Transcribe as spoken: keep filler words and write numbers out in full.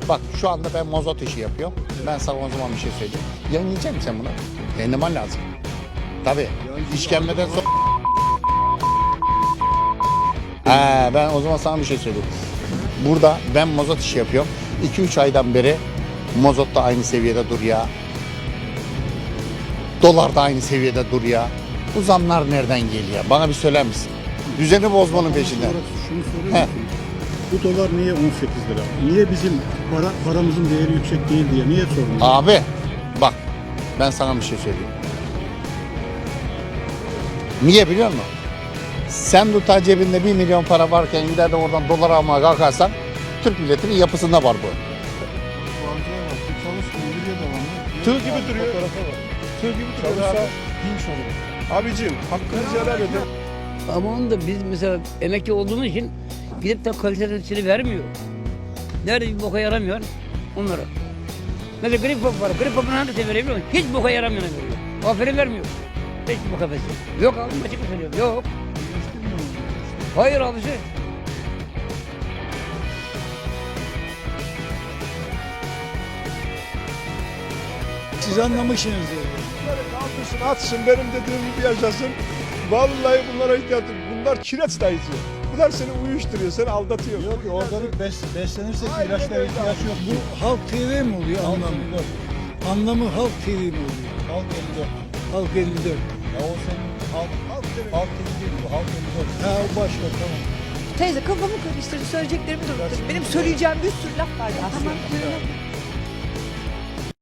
Bak şu anda ben mazot işi yapıyorum. Ben sana o zaman bir şey söyleyeyim. Yayınlayacak mısın sen bunu? Yayınlaman lazım. Tabii. İşkembeden sonra... He, ben o zaman sana bir şey söyleyeyim. Burada ben mazot işi yapıyorum. iki üç aydan beri mazot da aynı seviyede dur ya. Dolar da aynı seviyede dur ya. Bu zamlar nereden geliyor? Bana bir söyler misin? Düzeni bozmanın peşinden. Şunu soruyor musun? Bu dolar niye on sekiz lira? Niye bizim para, paramızın değeri yüksek değil diye niye sormuyor? Abi bak ben sana bir şey söyleyeyim. Niye biliyor musun? Sen tutar cebinde bir milyon para varken gider de oradan dolar almaya kalkarsan Türk milletinin yapısında var bu. Tığ gibi duruyor. Tığ gibi duruyor abi. Abicim hakkınızı helal edin. Ama onu da biz mesela emekli olduğumuz için gidip de kalitesini vermiyor. Nerede bir boka yaramıyor onlara. Mesela grip pop var. Grip popunu hangisini verebiliyor musun? Hiç boka yaramıyor veriyor. Aferin vermiyor. Hiç boka vermiyor. Yok abi açık söylüyorum. Yok. Hayır abisi. Siz anlamışsınız diyor. Bunları kaldırsın atsın benim dediğim gibi yaşasın. Vallahi bunlara ihtiyaç yok. Bunlar kireç dayıcı. Bunlar seni uyuşturuyor, seni aldatıyor. Yok organik bes, beslenirsek Aynen ilaçlara öyle ihtiyaç abi. yok. Bu Halk T V mi oluyor anlamı? Anlamı Halk T V mi oluyor? Halk elli dört. Halk elli dört. Ya o senin Halk, Halk T V. Halk T V değil bu. Halk elli dört. Ha o başka tamam. Teyze kafamı karıştırdı, söyleyeceklerimi de unuttum. Benim söyleyeceğim bir sürü laf var ya. Tamam söyle.